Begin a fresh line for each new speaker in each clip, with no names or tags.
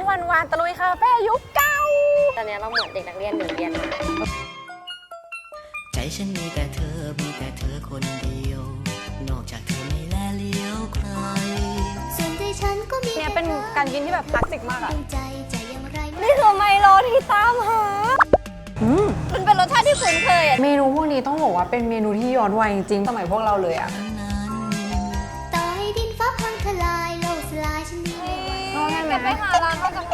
วันๆตะลุยคาเฟ่ยุคเก่า
ตอนนี้เราเหมือนเด็กนักเรียนหนึ่งเรียนมา
ใจฉันมีแต่เธอคนเดียวนอกจากเธอไม่แลเลี้ยวใคร
ส่วนใจฉันก็มี
เนี่ยเป็นการกินที่แบบคลาสสิกมากอะ
ใจอย่างไร
นี่คือไมโลที่ตามหามันเป็นรสชาติที่คุ้นเคยอะ
เมนูพวกนี้ต้องบอกว่าเป็นเมนูที่ย้อนวัยจริงๆสมัยพวกเราเลยอะ
ต่อให้ดินฟ้าพังทลายโลกสลายฉันมี
จะไปหาร้านมาจากไหน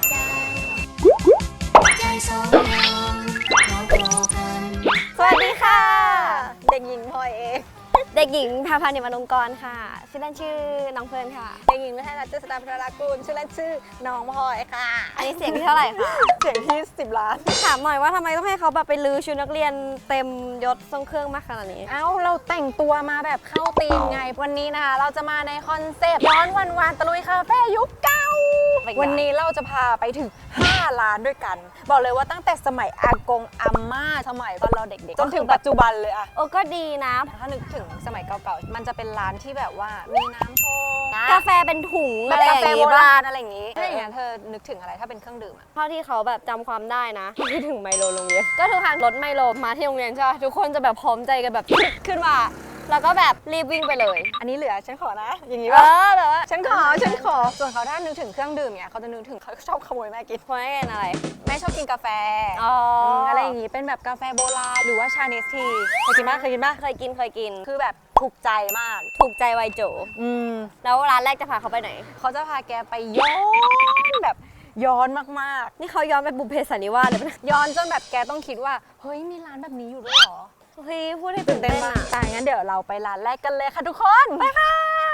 ใจสองเราพอกัน
สวัสดีค่ะ เด็กหญิงพลอยเองเด็กหญิงพาพานิมานงกรค่ะชื่อเล่นชื่อน้องเฟิร์นค่ะ
เด็กหญิงไม่ใช่รัชสตาพัฒนากุลชื่อเล่นชื่อน้องพลอยค่ะ
อันนี้เสียงที่เท่าไหร่คะ
เสียงที่10 ล้าน
ถามหน่อยว่าทำไมต้องให้เขาแบบไปลือชุดนักเรียนเต็มยศทรงเครื่องมากขนาดนี้
เอ้าเราแต่งตัวมาแบบเข้าธีมไงวันนี้นะคะเราจะมาในคอนเซปต์ย้อนวันๆตะลุยคาเฟ่ยุคเก่าวันนี้เราจะพาไปถึง5 ร้านด้วยกันบอกเลยว่าตั้งแต่สมัยอากงอาม่าสมัยตอนเราเด็กๆจนถึงปัจจุบันเลยอะ
ก็ดีนะ
ถ้านึกถึงสมัยเก่าๆมันจะเป็นร้านที่แบบว่ามีน้ำโชว์
กาแฟเป็นถุง
แบบกาแฟโบราณอะไรอย่างงี้ถ้าอย่างนั้นเธอนึกถึงอะไรถ้าเป็นเครื่องดื่มอะ
เท่าที่เขาแบบจำความได้นะคิดถึงไมโลโรงเรียนก็ทุกครั้งรถไมโลมาที่โรงเรียนใช่ไหมทุกคนจะแบบพร้อมใจกันแบบขึ้นมาแล้วก็แบบรีบวิ่งไปเลย
อันนี้เหลือฉันขอนะอย่างนี้ป่ะ
แบบว่า
ฉันขอส่วนเขาถ้านึกถึงเครื่องดื่มเนี่ยเขาจะนึกถึงเขาชอบขโมยแม่กิน
เพราะไม่เป็นอะไร
แม่ชอบกินกาแฟอะไรอย่างงี้เป็นแบบกาแฟโบราณหรือว่าชาเนสทีเคยกินป่ะเคยกินคือแบบถูกใจมาก
ถูกใจวัยโจแล้วร้านแรกจะพาเขาไปไหน
เขาจะพาแกไปย้อนแบบย้อนมาก
ๆนี่เขาย้อนไปบุพเพสันนิวาสเลยนะ
ย้อนจนแบบแกต้องคิดว่าเฮ้ยมีร้านแบบนี้อยู่ด้วยเหรอ
เฮ้ยพูดให้ตื่นเต้นมาก
แต่งั้นเดี๋ยวเราไปร้านแรกกันเลยค่ะทุกคนไปค่ะ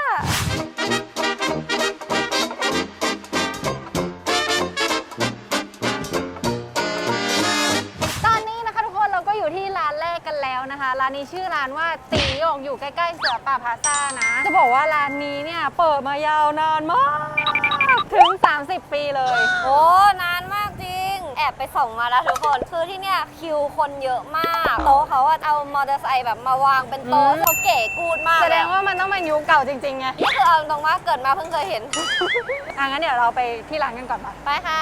ตอนนี้นะคะทุกคนเราก็อยู่ที่ร้านแรกกันแล้วนะคะร้านนี้ชื่อร้านว่าตีโยกอยู่ใกล้ๆเสือป่าพลาซ่านะจะบอกว่าร้านนี้เนี่ยเปิดมายาวนานมากถึง30 ปีเลย
โอ้นานมากจริงแอบไปส่องมาแล้วทุกคนคือที่เนี่ยคิวคนเยอะมากโต๊ะเขาเอามอเตอร์ไซค์แบบมาวางเป็นโต๊ะเขาเก๋กูดมาก
แสดงว่ามันต้องเป็นยุคเก่าจริงๆไง
นี่คือเอาตรงว่าเกิดมาเพิ่งเคยเห็น
งั้นเดี๋ยวเราไปที่ร้านกันก่อน
ไปค่ะ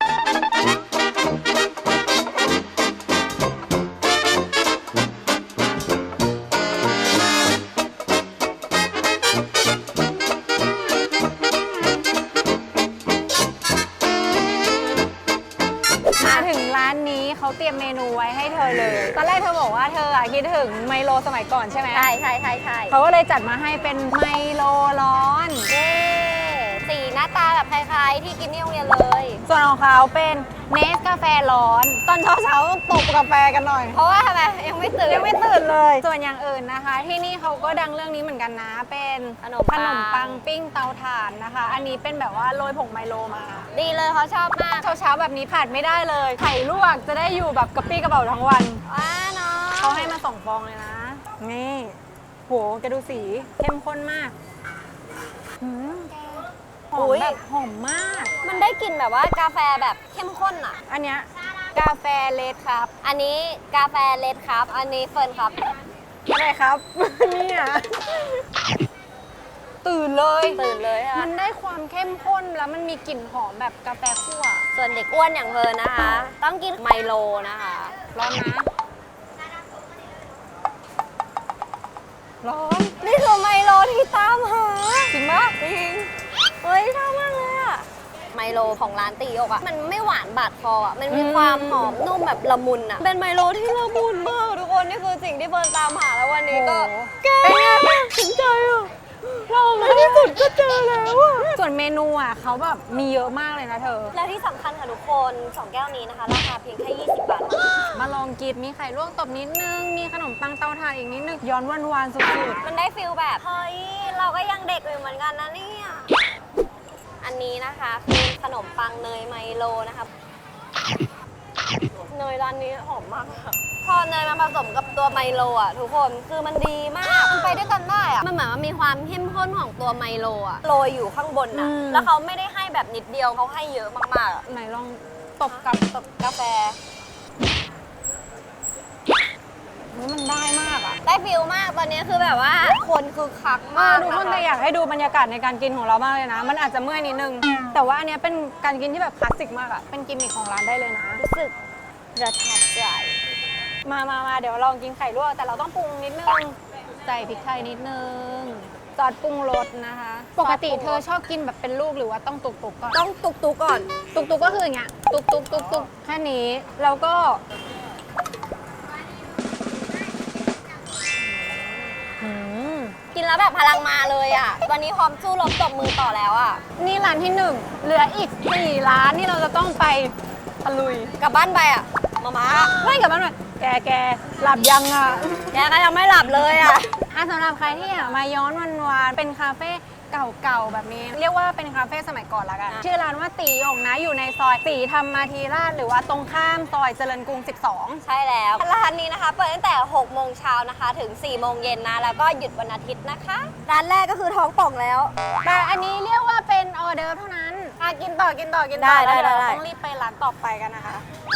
เขาเตรียมเมนูไว้ให้เธอเลยตอนแรกเธอบอกว่าเธอคิดถึงไมโลสมัยก่อนใช่ไหม
ใช่
เขาก็เลยจัดมาให้เป็นไมโลร้อน
สีหน้าตาแบบคล้ายๆที่กินที่โรงเรียนเลย
ส่วนของเขาเป็นเนสกาแฟร้อนตอนเช้าต้องตบกาแฟกันหน่อย
เพราะว่าทำไมยังไม่ตื่
นเลยส่วนอย่างอื่นนะคะที่นี่เขาก็ดังเรื่องนี้เหมือนกันนะเป็นขนมปังปิ้งเตาถ่านนะคะอันนี้เป็นแบบว่าโรยผงไมโลมา
ดีเลยเขาชอบมาก
เช้าแบบนี้ขาดไม่ได้เลยไข่ลวกจะได้อยู่แบบกระปี้กระเป๋าทั้งวัน
เนาะ
เขาให้มา2 ฟองเลยนะนี่โหแกดูสีเข้มข้นมากหอมแบบหอมมาก
มันได้กลิ่นแบบว่ากาแฟแบบเข้มข้นอ่ะ
อันเนี้ยกาแฟเลดครับ
อันนี้กาแฟเลดครับอันนี้เฟิร์นครับ
อะไรครับเนี่ยตื่นเลยค่ะมันได้ความเข้มข้นแล้วมันมีกลิ่นหอมแบบกาแฟคั่ว
ส่วนเด็กอ้วนอย่างเฟิร์นนะคะต้องกินไมโลนะคะ
ร้อนนะร้อน
นี่คือไมโลที่ตามหา
จริงปะ
จริงเฮ้ยชอบมากเลยอะไมโลของร้านตีโยกอะมันไม่หวานบาดคออะมันมีความหอมนุ่มแบบละมุนอะเป็นไมโลที่ละมุนมากทุกคนนี่คือสิ่งที่เฟิร์นตามหาแล้ววันนี้ก็
แกถึงใจอะเราในที่สุดก็เจอแล้วอะส่วนเมนูอะเขาแบบมีเยอะมากเลยนะเธอ
และที่สำคัญค่ะทุกคน2 แก้วนี้นะคะราคาเพียงแค่20 บาท
มาลองกินมีไข่ลวกตบนิดนึงมีขนมปังเตาถ่านอีกนิดนึงย้อนวันๆสุด
ๆมันได้ฟิลแบบเฮ้ยเราก็ยังเด็กอยู่เหมือนกันนะเนี่ยอันนี้นะคะคือขนมปังเนยไมโลนะคะเนยร้านนี้หอมมากพอเนยมาผสมกับตัวไมโลอ่ะทุกคนคือมันดีมากมันไปด้วยกันได้อ่ะมันเหมือนมันมีความเข้มข้นของตัวไมโลอ่ะโรยอยู่ข้างบนนะแล้วเขาไม่ได้ให้แบบนิดเดียวเขาให้เยอะมาก
ๆไหนลองตบกับ
กาแฟ
มันได้มากอ่ะ
ได้ฟิลมากตอนนี้คือแบบว่าคนคือคักมาก
ทุกคน
ะะ
แต่อยากให้ดูบรรยากาศในการกินของเรามากเลยนะ มันอาจจะเมื่อยนิดนึง แต่ว่าอันเนี้ยเป็นการกินที่แบบคลาสสิกมากอ่ะ เป็นกิมมิคของร้านได้เลยนะ
รู้สึกประทับใจ
มาเดี๋ยวลองกินไข่ลวกแต่เราต้องปรุงนิดนึง ใส่พริกไทยนิดนึงซอสปรุงรสนะคะ ปกติเธอชอบกินแบบเป็นลูกหรือว่าต้องตุกๆก่อน
ต้องตุกๆก่อน
ตุกๆก็คืออย่างเงี้ย ตุกแค่นี้แล้วก็อืม
กินแล้วแบบพลังมาเลยอ่ะ วันนี้พร้อมสู้รบตบมือต่อแล้วอ่ะ
นี่ร้านที่ 1 เหลืออีก 4 ร้านที่เราจะต้องไปตะลุย
กลับบ้านไปอ่ะมา
ไม่กลับบ้านหน่อยแกหลับยังอ่ะ
แกก็ยังไม่หลับเลยอ่ะ
สำหรับใครที่อยากมาย้อนวันๆเป็นคาเฟ่เก่าๆแบบนี้ เรียกว่าเป็นคาเฟ่สมัยก่อนละกัน ชื่อร้านว่าตีหยงนะอยู่ในซอยตีธรรมาธีราชหรือว่าตรงข้ามซอยเจริญกรุง 12
ใช่แล้วร้านนี้นะคะเปิดตั้งแต่6โมงเช้านะคะถึง4โมงเย็นนะแล้วก็หยุดวันอาทิตย์นะคะ ร้านแรกก็คือท้องป่องแล้ว
แต่อันนี้เรียกว่าเป็นออเดิร์ฟเท่านั้นกินต่อ
ได้
แล้วเดี๋ยว
ได้
เราต้องรีบไปร้านต่อไปกันนะคะ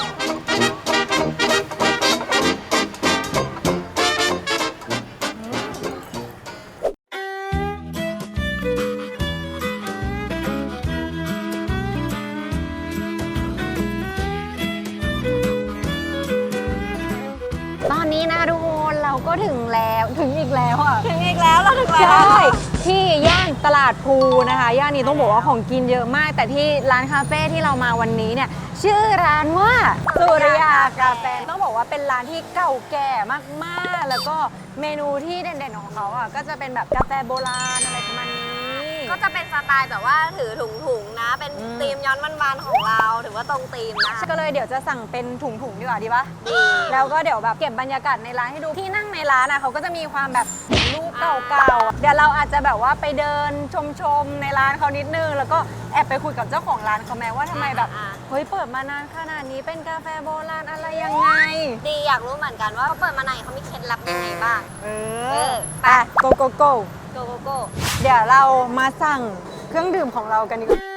ตอนนี้นะทุกคนเราก็ถึงอีกแล้วอ่ะ
ถึงอีกแล้วเราถึงแล้ว
ใช่ ที่ย่านตลาดภูนะคะ ย่านนี้ต้องบอกว่าของกินเยอะมาก แต่ที่ร้านคาเฟ่ที่เรามาวันนี้เนี่ย ชื่อร้านว่าสุริยากาแฟ ต้องบอกว่าเป็นร้านที่เก่าแก่มากๆ แล้วก็เมนูที่เด่นๆของเขาอ่ะก็จะเป็นแบบกาแฟโบราณอะไรประมาณนี้
ก็จะเป็นสไตล์แบบว่าถือถุงๆนะ เป็น
อืม
ธีมย้อนวันๆของเราถือว่าตรงธีมนะ
ก็เลยเดี๋ยวจะสั่งเป็นถุงๆดีกว่าดีปะ
ดี
แล้วก็เดี๋ยวแบบเก็บบรรยากาศในร้านให้ดูที่นั่งในร้านอ่ะเขาก็จะมีความแบบรูปเก่าๆ เดี๋ยวเราอาจจะแบบว่าไปเดินชมในร้านเขานิดนึง แล้วก็แอบไปคุยกับเจ้าของร้านเขาแม้ว่าทำไมแบบเฮ้ยเปิดมานานขนาดนี้เป็นกาแฟโบราณอะไรยังไง
ดีอยากรู้เหมือนกันว่าเขาเปิดมาไหนเขามีเคล็ดลับยังไงบ้าง
ไปโกโกโก
โกโกโก้
เดี๋ยวเรามาสั่งเครื่องดื่มของเรากันดีกว่า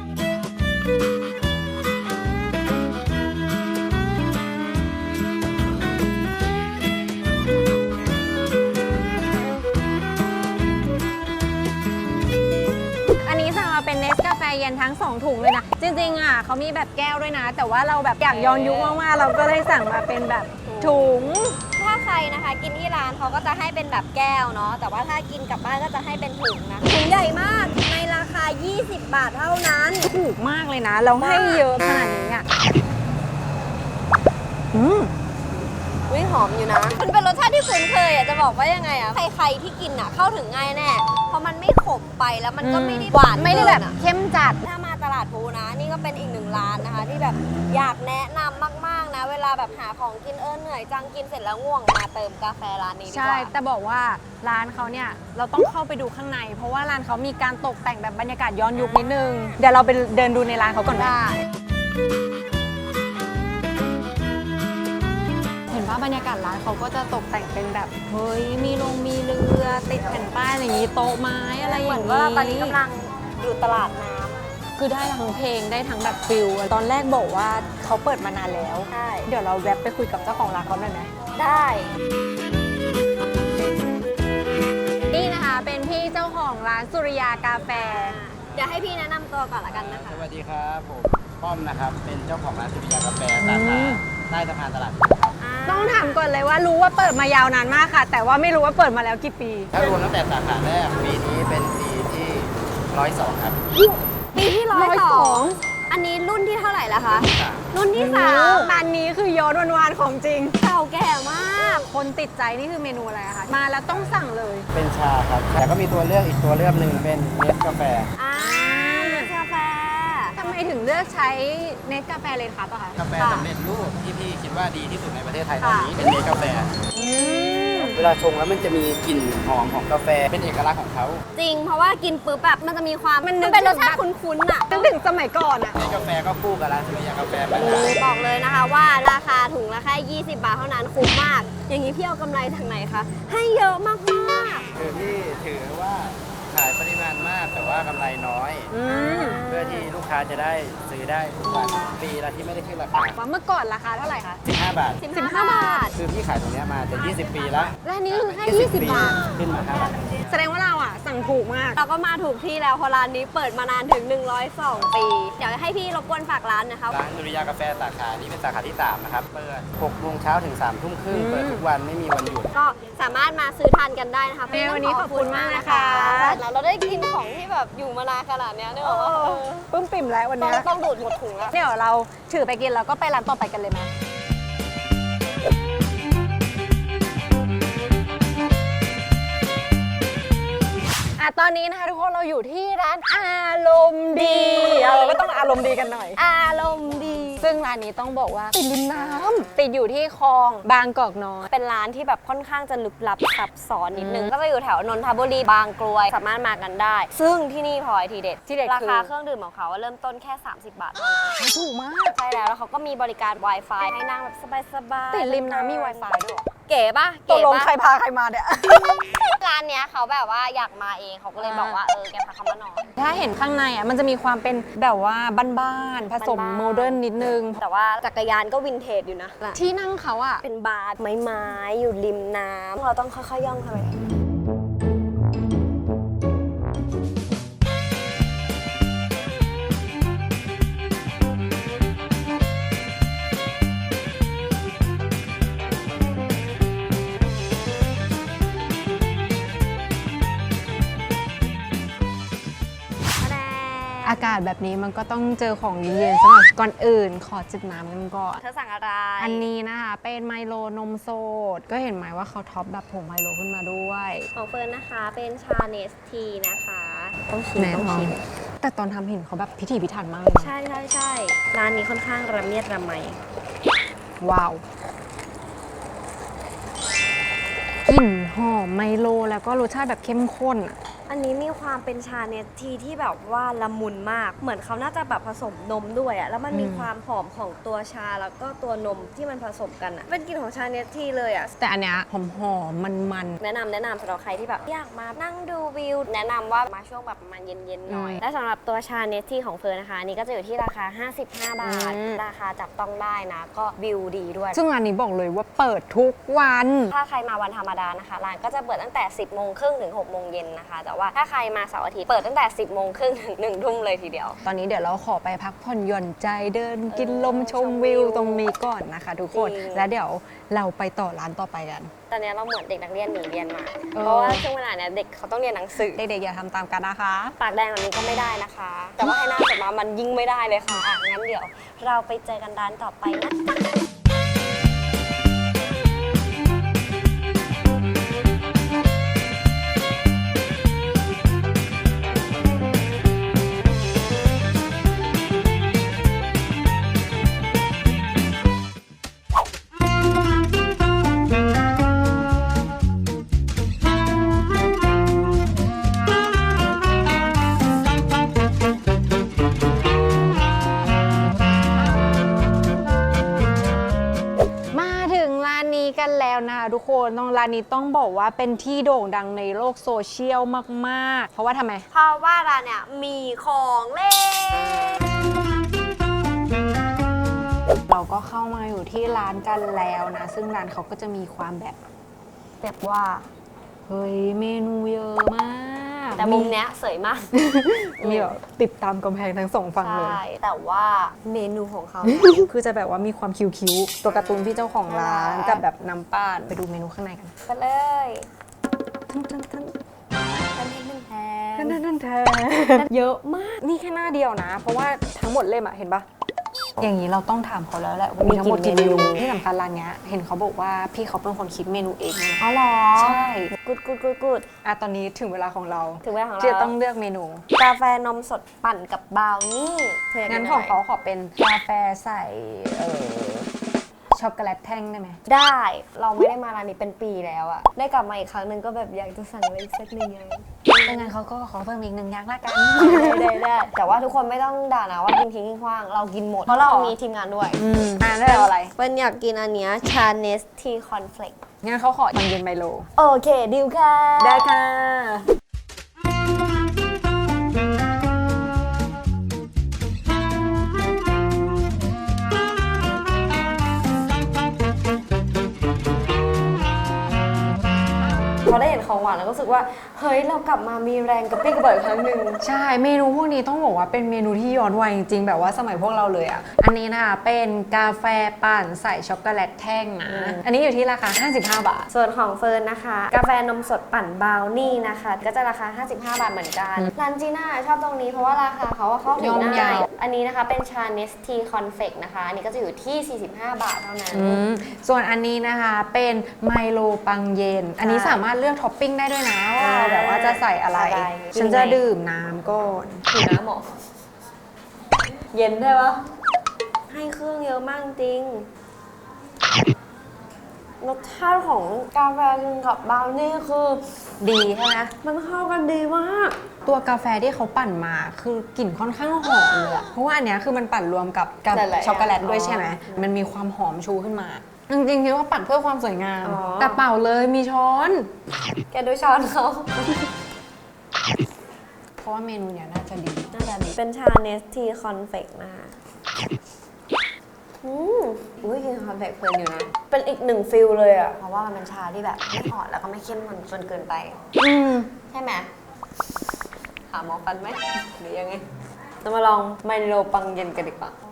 อันนี้สั่งมาเป็นเนสกาแฟเย็นทั้ง 2 ถุงเลยนะ จริงๆอ่ะเขามีแบบแก้วด้วยนะ แต่ว่าเราแบบอยากย้อนยุคมากๆเราก็เลยสั่งมาเป็นแบบถุง
ถ้าใครนะคะกินที่ร้านเขาก็จะให้เป็นแบบแก้วเนาะแต่ว่าถ้ากินกลับบ้านก็จะให้เป็นถุงนะถุงใหญ่มากในราคา 20 บาทเท่านั้น
ถูกมากเลยนะแล้วให้เยอะขนาดนี้อ่ะ
อุ้ยหอมอยู่นะ มันเป็นรสชาติที่คุ้นเคยอ่ะจะบอกว่ายังไงอ่ะใครๆที่กินอ่ะเข้าถึงง่ายแน่เพราะมันไม่ขมไปแล้วมันก็ไม่ได้หวาน
ไม่ได้แบบ
เกินอะ
เข้มจัด
ถ้ามาตลาดพลูนะ นี่ก็เป็นอีกหนึ่งร้านนะคะ ที่แบบอยากแนะนำมากๆนะ เวลาแบบหาของกินเหนื่อยจังกินเสร็จแล้วง่วงมาเติมกาแฟร้านนี้ดีก
ใช่
ว่า
แต่บอกว่าร้านเขาเนี่ยเราต้องเข้าไปดูข้างใน เพราะว่าร้านเขามีการตกแต่งแบบบรรยากาศย้อนยุคนิดนึง เดี๋ยวเราไปเดินดูในร้านเขาก่อนไหม
ได้
เห็นว่าบรรยากาศร้านเขาก็จะตกแต่งเป็นแบบเฮ้ยมีมีเรือติดแผ่นป้ายอะไรอย่างนี้โต๊ะไม้อะไรอ
เหมื
ย่า
อน
งนี้
ว่าตอนนี้กำลังอยู่ตลาดน้ำ
คือได้ทั้งเพลงได้ทั้งแบบฟิลตอนแรกบอกว่าเขาเปิดมานานแล้ว
ใช่
เดี๋ยวเราแวบไปคุยกับเจ้าของร้านเขาหน่อยไหม
ได้
นี่นะคะเป็นพี่เจ้าของร้านสุริยากาแฟ
เดี๋ยวให้พี่แนะนำตัวก่อนละกันนะคะ
สวัสดีครับผมป้อมนะครับ เป็นเจ้าของร้านสุริยากาแฟสา
อื
ขาม ใต้สะพานตลาดพลูครับ
ต้องถามก่อนเลยว่ารู้ว่าเปิดมายาวนานมากค่ะ แต่ว่าไม่รู้ว่าเปิดมาแล้วกี่ปี
ถ้ารวมตั้งแต่สาขาแรกปีนี้เป็นปีที่102 ครับ
ปีที่102อันนี้รุ่นที่เท่าไหร่แล้วคะ รุ่นที่สาม
ร้านนี้คือย้อนวันๆของจริง
เก่าแก่มาก
คนติดใจนี่คือเมนูอะไรอะคะ มาแล้วต้องสั่งเลย
เป็นชาครับ แต่ก็มีตัวเลือกอีกตัวเลือกหนึ่งเป็นเนสกาแฟ
เนสกาแฟ
ทำไมถึงเลือกใช้เนสกาแฟเลยครับอะคะ
กาแฟ
ค่ะ
สำเร็จรูปที่พี่คิดว่าดีที่สุดในประเทศไทยตอนนี้เป็นเนสกาแฟ
อืม
เวลาชงแล้วมันจะมีกลิ่นหอมของกาแฟเป็นเอกลักษณ์ของเขา
จริง เพราะว่ากินปุ๊บแบบมันจะมีความ
มันนึก
เป็นรส
ถึง
ชาติ
แบบ
คุ้นๆอ่ะ
นึกถึงสมัยก่อนอะ
เนสกาแฟก็คู่กับร้านสุริยากาแฟมานาน
บอกเลยนะคะว่าราคาถุงละแค่20 บาทเท่านั้นคุ้มมาก อย่างนี้พี่เอากำไรทางไหนคะ ให้เยอะมาก
คือพี่ถือว่าขายปริมาณมากแต่ว่ากำไรน้อย เพื่อที่ลูกค้าจะได้ซื้อได้ทุกวันปีละที่ไม่ได้ขึ้นราคา
ว่าเมื่อก่อนราคาเท่าไหร่คะ
15 บาท
15 บาท
คือพี่ขายตรงเนี้ยมาจะ 20 ปีแล้ว
และอันนี้คือแค่20 บาท
ขึ้นมา5 บาท
แสดงว่าเราอ่ะสั่งถูกมาก
เราก็มาถูกที่แล้วเพราะร้านนี้เปิดมานานถึง 102 ปี เดี๋ยวให้พี่รบกวนฝากร้านนะคะ
ร้านดุริยางค์กาแฟสาขานี้เป็นสาขาที่ 3 นะครับ เปิด 6 โมงเช้าถึง 3 ทุ่มครึ่ง เปิดทุกวันไม่มีวันหยุด
ก็สามารถมาซื้อทานกันได้นะคะ
วันนี้ขอบคุณมากนะคะ
แล้วเราได้กินของที่แบบอยู่มานานขนาดเนี้ยนึกออกว่า
ปึ้มปิ่มแล้ววัน
ต้อ
เนี้
ง
ย
ต้องดูดหมดถุงแล้ว
เดี๋ยวเราถือไปกินแล้วก็ไปร้านต่อไปกันเลยไหมตอนนี้นะคะทุกคนเราอยู่ที่ร้านอารมณ์ดีเราก็ต้องอารมณ์ดีกันหน่อย
อารมณ์ดี
ซึ่งร้านนี้ต้องบอกว่าติดริมน้ำติดอยู่ที่คลองบางกอกน้อย
เป็นร้านที่แบบค่อนข้างจะลึกลับซับซ้อนนิดนึง ก็จะอยู่แถวนนทบุรีบางกรวยสามารถมากันได้ ซึ่งที่นี่พลอยทีเด็ด
ที่เด็ด
รา
คือ
คาเครื่องดื่มของเขาเริ่มต้นแค่ 30 บาทเท่านั้น
ถูกมาก
ใช่แล้วเขาก็มีบริการ Wi-Fi ให้นั่งแบบสบายๆ
ติดริมน้ำมี Wi-Fi ด้วยเหรอ
เก๋ปะ
ตก
เก๋
ลง
ปะ
ใครพาใครมาเนี่ย
ร้านเนี้ยเขาแบบว่าอยากมาเองเขาก็เลยบอกว่าแกพาเขามาหน่อย
ถ้าเห็นข้างในอ่ะมันจะมีความเป็นแบบว่าบ้านๆผสม
บ้านๆ
โมเดิร์นนิดนึง
แต่ว่าจักรยานก็วินเทจอยู่นะ
ที่นั่งเขาอ่ะ
เป็นบาร์ไม้ๆอยู่ริมน้ำเราต้องค่อยๆย่องเข้าไป
อากาศแบบนี้มันก็ต้องเจอของเย็นๆสำหรับก่อนอื่นขอจิบน้ำกันก่อน
เธอสั่งอะไร
อันนี้นะคะเป็นไมโลนมสดก็เห็นไหมว่าเขาท็อปแบบผงไมโลขึ้นมาด้วย
ของเฟิร์นนะคะเป็นชาเนสทีนะคะต้องชิม
แน่
ต้อง
นอน
ชิม
แต่ตอนทำเห็นเขาแบบพิถีพิถันมากเลยนะ
ใช่ใช่ใช่ร้านนี้ค่อนข้างระเมียดระไม
ว้าวกลิ่นหอมไมโลแล้วก็รสชาติแบบเข้มข้นอะ
อันนี้มีความเป็นชาเนสทีที่แบบว่าละมุนมาก เหมือนเขาน่าจะแบบผสมนมด้วยอะแล้วมันมีความหอมของตัวชาแล้วก็ตัวนมที่มันผสมกันอะเป็นกลิ่นของชาเนสทีเลยอะ
แต่อันเนี้ยหอมๆมัน
แนะนำสำหรับใครที่แบบอยากมานั่งดูวิว แนะนำว่ามาช่วงแบบประมาณเย็นๆหน่อย และสำหรับตัวชาเนสที่ของเฟิร์นนะคะอันนี้ก็จะอยู่ที่ราคา 55 บาท ราคาจับต้องได้นะ ก็วิวดีด้วย
ๆซึ่งร้านนี้บอกเลยว่าเปิดทุกวัน
ถ้าใครมาวันธรรมดานะคะร้านก็จะเปิดตั้งแต่ 10 โมงครึ่งถึง 6 โมงเย็นนะคะ แต่ว่าถ้าใครมาเสาร์อาทิตย์เปิดตั้งแต่ 10 โมงครึ่งถึง 1 ทุ่มเลยทีเดียว
ตอนนี้เดี๋ยวเราขอไปพักผ่อนหย่อนใจเดินกินลมชม
ชมวิ
วิ
ว
วตรงนี้ก่อนนะคะทุกคน
จริง
แล้วเดี๋ยวเราไปต่อร้านต่อไปกัน
ตอนนี้เราเหมือนเด็กนักเรียนหนีเรียนมา
เออ
เพราะว่าช่วงเวลาเนี้ยเด็กเขาต้องเรียนหนังสือ
เด็กๆอย่าทำตามกันนะคะ
ปากแดงแบบนี้ก็ไม่ได้นะคะ แต่ว่าให้หน้าสดมามันยิ่งไม่ได้เลยค่ะอ่ะงั้นเดี๋ยวเราไปเจอกันร้านต่อไปนะจ๊ะ
มาถึงร้านนี้กันแล้วนะคะทุกคนตรงร้านนี้ต้องบอกว่าเป็นที่โด่งดังในโลกโซเชียลมากๆ เพราะว่าทำไม
เพราะว่าร้านเนี่ยมีของเล่น
เราก็เข้ามาอยู่ที่ร้านกันแล้วนะ ซึ่งร้านเขาก็จะมีความแบบว่าเฮ้ยเมนูเยอะมาก
แต่มุมเนี้ยสวยมาก
มีแบบติดตามกำแพงทั้งสองฝั่งเลย
ใช่ แต่ว่าเมนูของเขา
คือจะแบบว่ามีความคิ้วๆตัวการ์ตูนพี่เจ้าของร้านกับแบบน้ำป้านไปดูเมนูข้างในกัน
ไปเลย
ทั้ง
แทน
เยอะมากนี่แค่หน้าเดียวนะ เพราะว่าทั้งหมดเล่มอะเห็นปะอย่างนี้เราต้องถามเขาแล้วแหละว่ามีทั้งหมดกี่เมนูที่สำคัญร้านเนี้ยเห็นเขาบอกว่าพี่เขาเป็นคนคิดเมนูเองนะ
อ๋อเหรอ
ใช่
กูด
อ่ะตอนนี้ถึงเวลาของเรา
ถึงเวลาของเรา
ที่จะต้องเลือกเมนู
กาแฟนมสดปั่นกับบราวนี่เธออยากกิ
งั้น
อะไร
ของเขาขอเป็นกาแฟใส่ช็อกโกแลตแท่งได้ไหม
ได้เราไม่ได้มาร้านนี้เป็นปีแล้วอะได้กลับมาอีกครั้งหนึ่งก็แบบอยากจะสั่งอะไรอีกสักหนึ่งอย่าง
ดังนั้นเขาก็ขอเพิ่มอีกหนึ่งอย่างละกัน
ได้แต่ว่าทุกคนไม่ต้องด่านะว่ากินทิ้งกินขว้างเรากินหมด เพราะเรามีทีมงานด้วย
ได้เอาอะไร
เป็นอยากกินอันเนี้ยชาเนสทีคอนเฟลก
งั้นเขาขอตอนเย็นไมโล
โอเคดิวค่ะ
ได้ค่ะ
พอได้เห็นของหวานแล้วก็รู้สึกว่าเฮ้ยเรากลับมามีแรงกระปรี้กระเบิดอีกครั้งหนึ่ง
ใช่เมนูพวกนี้ต้องบอกว่าเป็นเมนูที่ย้อนวัยจริงๆแบบว่าสมัยพวกเราเลยอ่ะอันนี้นะคะเป็นกาแฟปั่นใส่ช็อกโกแลตแท่งนะอันนี้อยู่ที่ราคา55 บาท
ส่วนของเฟิร์นนะคะ กาแฟนมสดปั่นบราวนี่นะคะ ก็จะราคา 55 บาทเหมือนกันร้านจีน่าชอบตรงนี้เพราะว่าราคาเขาเข้าถึงง่ายอันนี้นะคะเป็นชาเนสทีคอนเฟกนะคะอันนี้ก็จะอยู่ที่ 45 บาทเท่านั้น
ส่วนอันนี้นะคะเป็นไมโลปังเย็น อันนี้สามารถเลือกท็อปปิ้งได้ด้วยนะว่าเราแบบว่าจะใส่อะไร ฉันจะดื่มน้ำก่อน
ถือน้ำหมอเย็นได้ปะให้เครื่องเยอะมากจริงรสชาติของกาแฟกับบราวนี่คือ
ดีใช่ไหม
มันเข้ากันดีมาก
ตัวกาแฟที่เขาปั่นมาคือกลิ่นค่อนข้างหอมเลยอะเพราะว่าอันเนี้ยคือมันปั่นรวมกับ
หลายๆอย่าง
ช็อกโกแลตด้วยใช่ไหมมันมีความหอมชูขึ้นมา จริงๆคิดว่าปั่นเพื่อความสวยงาม แต่เปล่าเลยมีช้อน
แกดูช้อนเขา
เพราะว่าเมนูเนี้ยน่าจะดี
น่าจะดีเป็นชาเนสทีคอนเฟกนะคะอุ้ยกินคอนเฟกเพลินอยู่นะ เป็นอีกหนึ่งฟิลเลยอ่ะ เพราะว่ามันเป็นชาที่แบบไม่อ่อนแล้วก็ไม่เข้มข้นจนเกินไป ใช่ไหมหาหมอฟันไหมหรือยังไงเรามาลองไมโลปังเย็นกันดีกว่า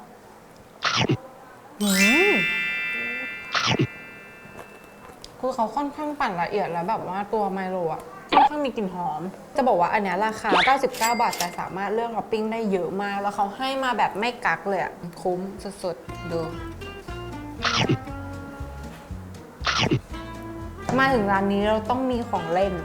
คือเขาค่อนข้างปั่นละเอียดแล้วแบบว่าตัวไมโลอ่ะค่อนข้างมีกลิ่นหอม จะบอกว่าอันเนี้ยราคา99 บาทแต่สามารถเลือกท็อปปิ้งได้เยอะมาก แล้วเขาให้มาแบบไม่กักเลยอ่ะคุ้มสุดๆดูมาถึงร้านนี้เราต้องมีของเล่น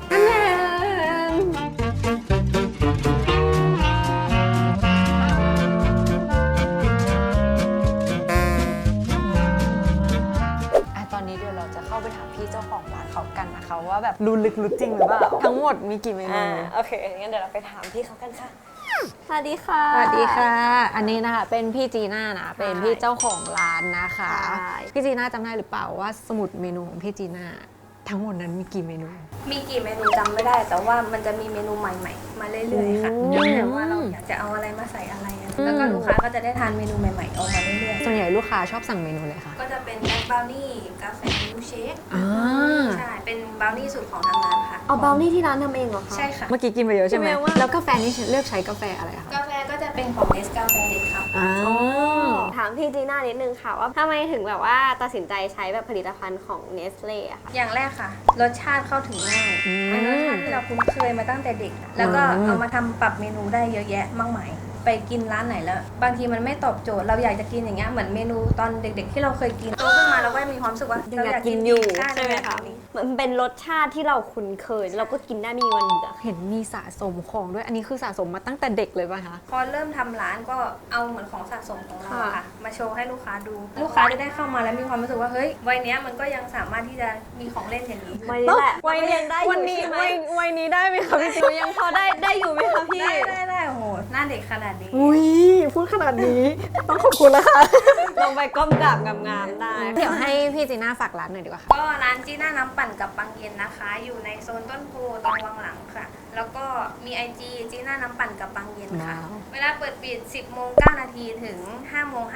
ตอนนี้เดี๋ยวเราจะเข้าไปถามพี่เจ้าของร้านเขากันนะคะว่าแบบรู้ลึกรู้จริงหรือเปล่าทั้งหมดมีกี่เมนู
โอเค งั้นเดี๋ยวเราไปถามพี่เขากันค่ะ สวัสดีค่ะ
สวัสดีค่ะ อันนี้นะคะเป็นพี่จีน่านะเป็นพี่เจ้าของร้านนะคะ
ใช่
พี่จีน่าจำได้หรือเปล่าว่าสมุดเมนูของพี่จีน่าทั้งหมดนั้นมีกี่เมนู
มีกี่เมนูจำไม่ได้ แต่ว่ามันจะมีเมนูใหม่ๆ มาเรื่อยๆค่ะแล้วแต่ว่าเราอยากจะเอาอะไรมาใส่อะไรอะแล้วก็ลูกค้าก็จะได้ทานเมนูใหม่ๆออกมาเรื่อย
ส่วนใหญ่ลูกค้าชอบสั่งเมนูเลยค่ะ
ๆ ก็จะเป็นแบล็คบราวนี่กาแฟมิลค์เชค
อ่า
ใช่เป็นบราวนี่สูตรของทางร้านค่ะ
เอาบราวนี่ที่ร้านทำเองเหรอคะ
ใช่ค่ะ
เมื่อกี้กินไปเยอะใช่ไหม
กินไปเยอะมาก
แล้วกาแฟนี่เลือกใช้กาแฟอะไรคะ
กาแฟก็จะเป็นของเนสกาแฟเด็ดครับ
อ๋อ
ถามพี่จีน่านิดนึงค่ะว่าทำไมถึงแบบว่าตัดสินใจใช้แบบผลิตภัณฑ์ของเนสเล่อะค่ะ
อย่างแรกค่ะ รสชาติเข้าถึงง่ายเป็นรสชาติที่เราคุ้นเคยมาตั้งแต่เด็กอะแล้วก็เอามาทำปรับเมนูได้เยอะแยะมากมาย ไปกินร้านไหนแล้ว บางทีมันไม่ตอบโจทย์เราอยากจะกินอย่างเงี้ยเหมือนเมนูตอนเด็ก ๆ ที่เราเคยกินโตขึ้นมาเราก็มีความรู้สึกว่า
ยัง
เรา
อยากกินอยู่
ใช่
ใช่ไหมคะ มันเป็นรสชาติที่เราคุ้นเคย เราก็กินได้ไม่มีวันเบื่อ
เห็นมีสะสมของด้วยอันนี้คือสะสมมาตั้งแต่เด็กเลยป่ะคะ
พอเริ่มทำร้านก็เอาเหมือนของสะสมของเราอะ
ค่ะ
ค่ะมาโชว์ให้ลูกค้าดู ลูกค้าจะได้เข้ามาแล้วมีความรู้สึกว่าเฮ้ยวัยเนี้ยมันก็ยังสามารถที่จะมีของเล่นอย่างนี้
วัยนี้แหละ
วัยนี้
ยังได้อยู่
วันนี้
ใช่ไหม
วัยนี้ได้ไหมคะพี่จี
ยังพอได้อยู่ไหมคะพี่
ได้โอ้โหหน้าเด็กขนาดนี้
อุ้ยพูดขนาดนี้ ต้องขอบคุณแล้วค่ะ
ลงไปก้มกราบงามๆได้
เดี๋ยวให้พี่จีน่าฝากร้านหน่อยดีกว่าค่ะ
ก็ร้านจีน่าน้ำปั่นกับปังเย็นนะคะ อยู่ในโซนต้นโพตรงวังหลังค่ะ แล้วก็มี IG จีน่าน้ำปั่นกับปังเย็นค่ะ
ว้าว
เวลาเปิดปิด 10 โมง 9 นาทีถึง 5 โมง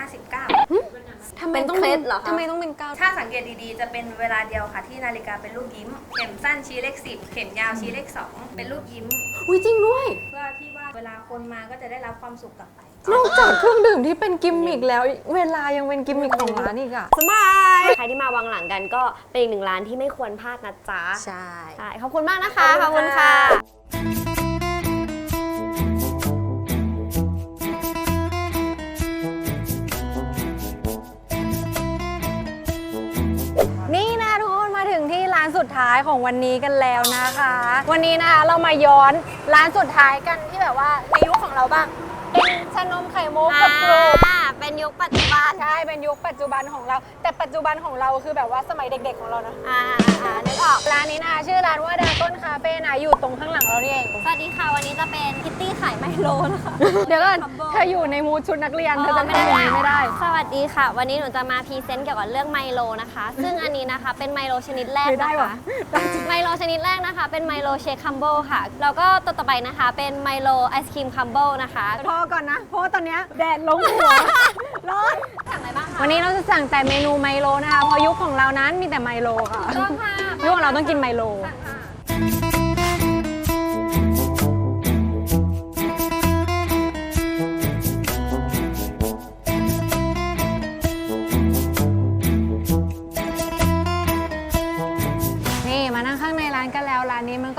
59
ทำไม
เป็น
ต้อง
เคล็ดเหรอคะ
ทำไมต้องเป็นเก้า
ถ้าสังเกตดีๆ จะเป็นเวลาเดียวค่ะ ที่นาฬิกาเป็นรูปยิ้ม เข็มสั้นชี้เลข 10 เข็มยาวชี้เลข 2 เป็นรูปยิ้ม
อุ้ยจริงด้วย
เพื่อที่ว่าเวลาคนมาก็จะได้รับความสุขกลับไป
นอกจากเครื่องดื่มที่เป็นกิมมิกแล้ว เวลายังเป็นกิมมิกของร้านอีกอะ
สบาย ใครที่มาวังหลังกันก็เป็นอีกหนึ่งร้านที่ไม่ควรพลาดนะจ๊ะ
ใช่
ใช่ ขอบคุณมากนะคะ ขอบคุณค่ะ
นี่นะทุกคนมาถึงที่ร้านสุดท้ายของวันนี้กันแล้วนะคะ วันนี้นะคะเรามาย้อนร้านสุดท้ายกันที่แบบว่าในยุคของเราบ้างเป็นชานมไข่มุกกับกรูป
เป็นยุคปัจจุบัน
ใช่เป็นยุคปัจจุบันของเรา แต่ปัจจุบันของเราคือแบบว่าสมัยเด็กๆของเรานะ
นึกออก
ร้านนี้นะคะชื่อร้านว่าดาก้นคาเฟ่นะอยู่ตรงข้างหลังเรานี่เอง
สวัสดีค่ะ วันนี้จะเป็นคิตตี้ขายไมโลนะคะ
เดี๋ยวก่อนเธออยู่ในมูดชุดนักเรียนเธอจะทำอย่างนี้ไม่ได้
สวัสดีค่ะ วันนี้หนูจะมาพรีเซนต์เกี่ยวกับเรื่องไมโลนะคะ ซึ่งอันนี้นะคะเป็นไมโลชนิดแรก
ไม่ได้
นะ
ว่ะ
คะไมโลชนิดแรกนะคะ เป็นไมโลเชคคัมโบค่ะ แล้วก็ตัวต่อไปนะคะ เป็นไมโลไอศครีมคัมโบนะคะ
พอก่อนนะ เพราะว่าตอนเนี้ยแดดลงหัว ร้อน
สั่งอะไรบ้างคะ
วันนี้เราจะสั่งแต่เมนูไมโลนะคะ เพราะยุคของเรานั้นมีแต่ไมโลค่ะ
ต้องค่ะ
ยุคของเราต้องกินไมโล
สั่งค่ะ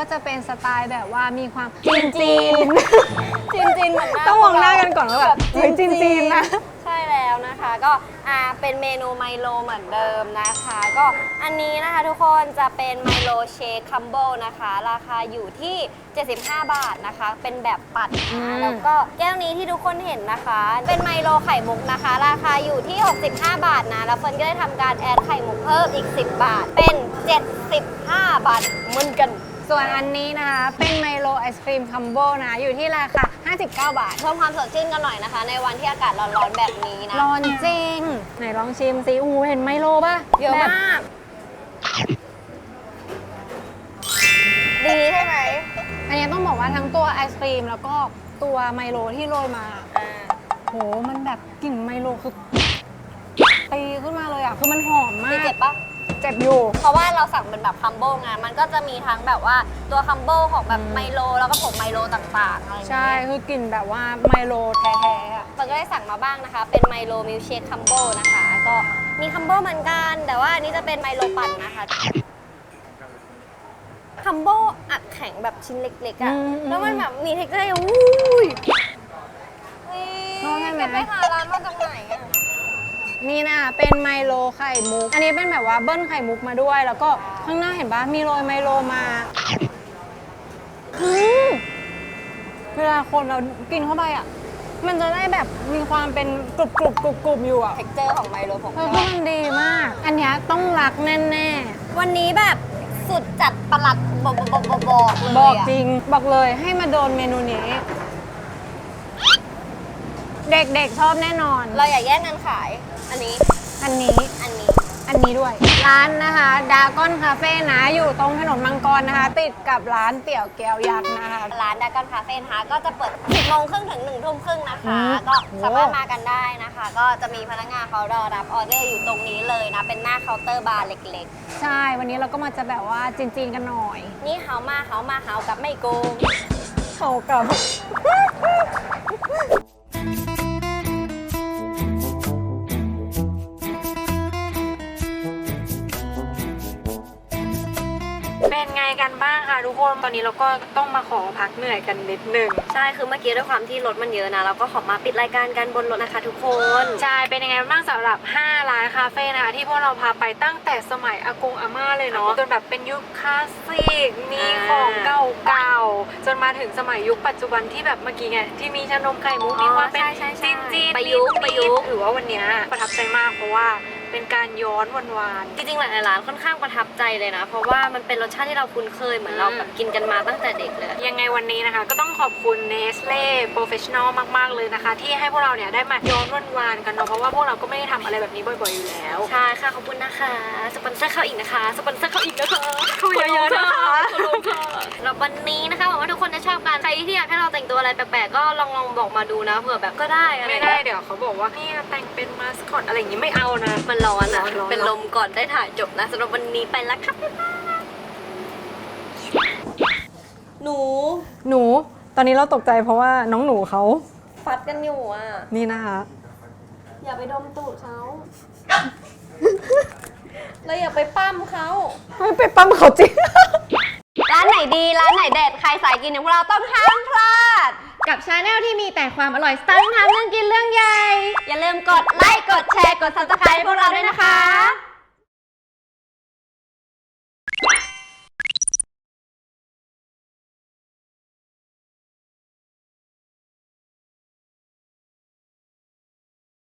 จะเป็นสไตล์แบบว่ามีความจีนจีน
จีนเหมือนหน้า
ต้องมองหน้ากันก่อนว่าแบบเฮ้ยจีนนะ
ใช่แล้วนะคะก็เป็นเมนูไมโลเหมือนเดิมนะคะ ก็อันนี้นะคะทุกคนจะเป็นไมโลเชคคัมโบนะคะ ราคาอยู่ที่ 75 บาทนะคะ เป็นแบบปัดนะแล้วก็แก้วนี้ที่ทุกคนเห็นนะคะ เป็นไมโลไข่มุกนะคะ ราคาอยู่ที่ 65 บาทนะแล้วเฟิร์นก็ได้ทำการแอดไข่มุกเพิ่มอีก 10 บาท เป็น 75 บาทเหมือนกัน
ส่วนอันนี้นะคะเป็นไมโลไอศครีมคัมโบนะอยู่ที่ราคา 59 บาท
เพิ่มความสดชื่นกันหน่อยนะคะ ในวันที่อากาศร้อนๆแบบนี้นะ
ร้อนจริง ไหนลองชิมสิอู้เห็นไมโลป่ะ
เยอะ
แบบ
มาก ดีใช่ไหม
อันนี้ต้องบอกว่าทั้งตัวไอศครีมแล้วก็ตัวไมโลที่โรยมา โหมันแบบกลิ่นไมโลคือตีขึ้นมาเลยอ่ะคือมันหอมมา
ดี
ก
เจ็บปะ
เจ็บอยู่
เพราะว่าเราสั่งเป็นแบบคัมโบไงมันก็จะมีทั้งแบบว่าตัวคัมโบของแบบไมโลแล้วก็ผงไมโลต่างๆอะไรอย่าง
ใช่
เงี้ย
คือกลิ่นแบบว่าไมโลแท้ๆอ่ะ
เราก็ได้สั่งมาบ้างนะคะ เป็นไมโลมิลเชคคัมโบนะคะ ก็มีคัมโบเหมือนกัน แต่ว่าอันนี้จะเป็นไมโลปั่นนะคะคัมโบอัดแข็งแบบชิ้นเล็กๆอะแล้วมันแบบมีเท็กเจอร์อย่างอุ้ยแกไปหาร้านมาจากไหนอะ
นี่นะเป็นไมโลไข่มุก อันนี้เป็นแบบว่าเบิ้ลไข่มุกมาด้วย แล้วก็ข้างหน้าเห็นปะมีโรยไมโลมาเวลาคนเรากินเข้าไปอ่ะ มันจะได้แบบมีความเป็นกรุบกรุบกรุบกรุบอยู่อ่ะ
เท็กเจอร์ของไมโลของ
เออ
เรา
ก็มันดีมาก อันเนี้ยต้องรักแน่
วันนี้แบบสุดจัดประหลัดบอกเลย
ๆ บอกจริง บอกเลยให้มาโดนเมนูนี้ เด็กๆชอบแน่นอน
เราอย่าแย่งกันขาย อันนี้
อันนี้
อันนี้
อันนี้ด้วย ร้านนะคะดาก้อนคาเฟ่นะอยู่ตรงถนนมังกรนะคะ ติดกับร้านเตี๋ยวแก้วยักษ์นะคะ
ร้านดากอนคาเฟ่นะคะก็จะเปิด 10 โมงครึ่งถึง 1 ทุ่มครึ่งนะคะ ก็
โอ้
สามารถมากันได้นะคะ ก็จะมีพนักงานเขารอรับออเดอร์อยู่ตรงนี้เลยนะ เป็นหน้าเคาน์เตอร์บาร์เล็ก
ใช่ วันนี้เราก็มาจะแบบว่าจีนๆกันหน่อย
ๆ นี่เฮามาเฮากับไม่โกง
เขากับ เป็นไงกันบ้างคะทุกคน ตอนนี้เราก็ต้องมาขอพักเหนื่อยกันนิดนึง
ใช่ คือเมื่อกี้ด้วยความที่รถมันเยอะนะ เราก็ขอมาปิดรายการกันบนรถนะคะทุกคน
ใช่ เป็นยังไงบ้างสำหรับ 5 ร้านคาเฟ่นะคะที่พวกเราพาไปตั้งแต่สมัยอากงอาม่าเลยเนาะจนแบบเป็นยุคคลาสสิก มีของเก่าๆ จนมาถึงสมัยยุคปัจจุบันที่แบบเมื่อกี้ไง ที่มีชานมไข่มุกมีความเป็นจีนๆ
ประยุกต์
หรือว่าวันเนี้ยประทับใจมากเพราะว่าเป็นการย้อนวาน
จริงๆหลายร้านค่อนข้างประทับใจเลยนะ เพราะว่ามันเป็นรสชาติที่เราคุ้นเคยเหมือนเราแบบกินกันมาตั้งแต่เด็กเลย
ยังไงวันนี้นะคะก็ต้องขอบคุณ Nestle Professional มากๆเลยนะคะ ที่ให้พวกเราเนี่ยได้มาย้อนวานๆกันเนาะเพราะว่าพวกเราก็ไม่ได้ทำอะไรแบบนี้บ่อยๆอยู่แล้ว
ใช่ค่ะ ขอบคุณนะคะ สปอนเซอร์เข้าอีกนะคะ สปอนเซอร์เข้าอีกนะคะ
เข้าเยอะๆนะคะ
แล้ววันนี้นะคะหวังว่าทุกคนจะชอบกัน ใครที่อยากให้เราแต่งตัวอะไรแปลกๆ ก็ลองบอกมาดูนะ เผื่อแบบก็ได้อะไร
ไม่ได้เดี๋ยวเขาบอกว่าเนี่ยแต่งเป็นมาสคอตอะไรอย่างงี้ไม่เอานะ
มันร้อนอ่ะ
ร้อน
เป็นลมก่อนได้ถ่ายจบนะสำหรับวันนี้ไปแล้วค่ะหนู
หนูตอนนี้เราตกใจเพราะว่าน้องหนูเขา
ฟัดกันอยู่อ่ะ
นี่นะคะ
อย่าไปดมตูดเขา แล้วอย่าไปปั้มเขา
ไม่ไปปั้มเขาจริง
ร้านไหนดีร้านไหนเด็ดใครสายกินอย่างพวกเราต้องห้ามพลาด
กับชาแนลที่มีแต่ความอร่อยสไตล์ทำเรื่องกินเรื่องใหญ่
อย่าลืมกดไลค์กดแชร์กด Subscribe พวกเราด้วยนะคะ